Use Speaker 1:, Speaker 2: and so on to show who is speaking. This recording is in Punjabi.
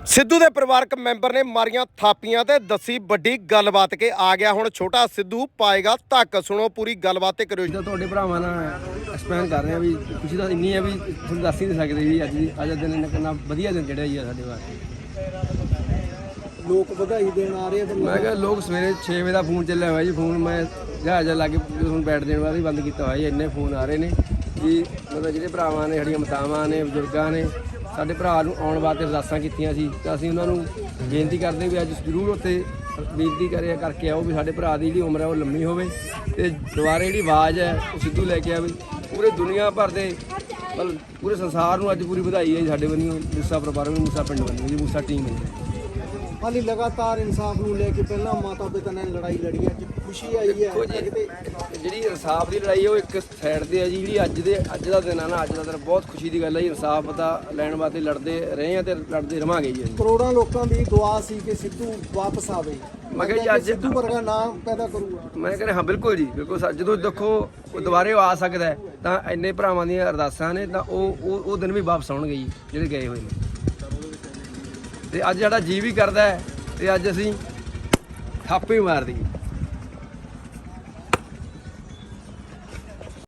Speaker 1: ਸਿੱਧੂ ਦੇ ਪਰਿਵਾਰਕ ਮੈਂਬਰ ਨੇ ਮਾਰੀਆਂ ਥਾਪੀਆਂ ਤੇ ਦੱਸੀ ਵੱਡੀ ਗੱਲਬਾਤ ਕਿ ਆ ਗਿਆ ਹੁਣ ਛੋਟਾ ਸਿੱਧੂ ਪਾਏਗਾ ਧੱਕ। ਸੁਣੋ ਪੂਰੀ ਗੱਲਬਾਤ ਤੇ ਕਰਿਓ।
Speaker 2: ਤੁਹਾਡੇ ਭਰਾਵਾਂ ਨਾਲ ਐਕਸਪਲੇਨ ਕਰ ਰਹੇ ਆ ਵੀ ਖੁਸ਼ੀ ਤਾਂ ਇੰਨੀ ਹੈ ਵੀ ਤੁਹਾਨੂੰ ਦੱਸ ਹੀ ਨਹੀਂ ਸਕਦੇ ਵੀ ਅੱਜ ਦਾ ਦਿਨ ਕਿੰਨਾ ਵਧੀਆ ਦਿਨ ਜਿਹੜਾ ਜੀ ਸਾਡੇ ਵਾਸਤੇ।
Speaker 3: ਲੋਕ ਵਧਾਈ ਦੇਣ ਆ ਰਹੇ ਆ।
Speaker 2: ਮੈਂ ਕਿਹਾ ਲੋਕ ਸਵੇਰੇ 6 ਵਜੇ ਦਾ ਫੋਨ ਚੱਲਿਆ ਹੋਇਆ ਜੀ। ਫੋਨ ਮੈਂ ਜਹਾਜ਼ ਲਾ ਕੇ ਹੁਣ ਬੈਠ ਦੇਣ ਵਾਲਾ ਹੀ ਬੰਦ ਕੀਤਾ ਹੋਇਆ ਜੀ। ਇੰਨੇ ਫੋਨ ਆ ਰਹੇ ਨੇ ਕਿ ਮਤਲਬ ਜਿਹੜੇ ਭਰਾਵਾਂ ਨੇ, ਸਾਡੀਆਂ ਮਾਤਾਵਾਂ ਨੇ, ਬਜ਼ੁਰਗਾਂ ਨੇ ਸਾਡੇ ਭਰਾ ਨੂੰ ਆਉਣ ਵਾਸਤੇ ਅਰਦਾਸਾਂ ਕੀਤੀਆਂ ਸੀ ਤਾਂ ਅਸੀਂ ਉਹਨਾਂ ਨੂੰ ਬੇਨਤੀ ਕਰਦੇ ਵੀ ਅੱਜ ਜ਼ਰੂਰ ਉੱਥੇ ਬੇਨਤੀ ਕਰਕੇ ਆਓ ਵੀ ਸਾਡੇ ਭਰਾ ਦੀ ਜਿਹੜੀ ਉਮਰ ਹੈ ਉਹ ਲੰਮੀ ਹੋਵੇ ਤੇ ਦੁਬਾਰੇ ਜਿਹੜੀ ਆਵਾਜ਼ ਹੈ ਉਹ ਸਿੱਧੂ ਲੈ ਕੇ ਆਵੇ। ਪੂਰੇ ਦੁਨੀਆ ਭਰ ਦੇ ਮਤਲਬ ਪੂਰੇ ਸੰਸਾਰ ਨੂੰ ਅੱਜ ਪੂਰੀ ਵਧਾਈ ਹੈ ਜੀ ਸਾਡੇ ਵੱਲੋਂ, ਮੂਸਾ ਪਰਿਵਾਰ ਨੂੰ, ਮੂਸਾ ਪਿੰਡ ਵੱਲੋਂ ਜੀ, ਮੂਸਾ ਟੀਮ ਹੈ।
Speaker 3: ਹਾਲੀ ਲਗਾਤਾਰ ਇਨਸਾਫ ਨੂੰ ਲੈ ਕੇ ਪਹਿਲਾਂ ਮਾਤਾ ਪਿਤਾ ਨੇ ਲੜਾਈ ਲੜੀ, ਅੱਜ ਖੁਸ਼ੀ ਆਈ ਹੈ।
Speaker 2: ਜਿਹੜੀ ਇਨਸਾਫ ਦੀ ਲੜਾਈ ਹੈ ਉਹ ਇੱਕ ਸਾਈਡ ਤੇ ਹੈ ਜੀ। ਜਿਹੜੀ ਅੱਜ ਦਾ ਦਿਨ ਆ ਨਾ, ਅੱਜ ਦਾ ਦਿਨ ਬਹੁਤ ਖੁਸ਼ੀ ਦੀ ਗੱਲ ਹੈ ਜੀ। ਇਨਸਾਫ ਦਾ ਲੈਣ ਵਾਸਤੇ ਲੜਦੇ ਰਹੇ ਆ ਤੇ ਲੜਦੇ ਰਵਾਂਗੇ ਜੀ।
Speaker 3: ਕਰੋੜਾਂ ਲੋਕਾਂ ਦੀ ਦੁਆ ਸੀ ਕਿ ਸਿੱਧੂ ਵਾਪਸ ਆਵੇ।
Speaker 2: ਮੈਂ ਕਿਹਾ ਜੀ ਅੱਜ
Speaker 3: ਸਿੱਧੂ ਵਰਗਾ ਨਾਮ ਪੈਦਾ ਕਰੂਗਾ।
Speaker 2: ਮੈਂ ਕਹਿੰਦਾ ਹਾਂ ਬਿਲਕੁਲ ਜੀ, ਬਿਲਕੁਲ। ਜਦੋਂ ਦੇਖੋ ਉਹ ਦੁਬਾਰੇ ਆ ਸਕਦਾ ਹੈ ਤਾਂ ਇੰਨੇ ਭਰਾਵਾਂ ਦੀਆਂ ਅਰਦਾਸਾਂ ਨੇ ਤਾਂ ਉਹ ਦਿਨ ਵੀ ਵਾਪਸ ਆਉਣਗੇ ਜੀ ਜਿਹੜੇ ਗਏ ਹੋਏ ਨੇ। ਤੇ ਅੱਜ ਸਾਡਾ ਜੀ ਵੀ ਕਰਦਾ ਹੈ ਤੇ ਅੱਜ ਅਸੀਂ ਥਾਪੇ ਮਾਰ ਦਈਏ।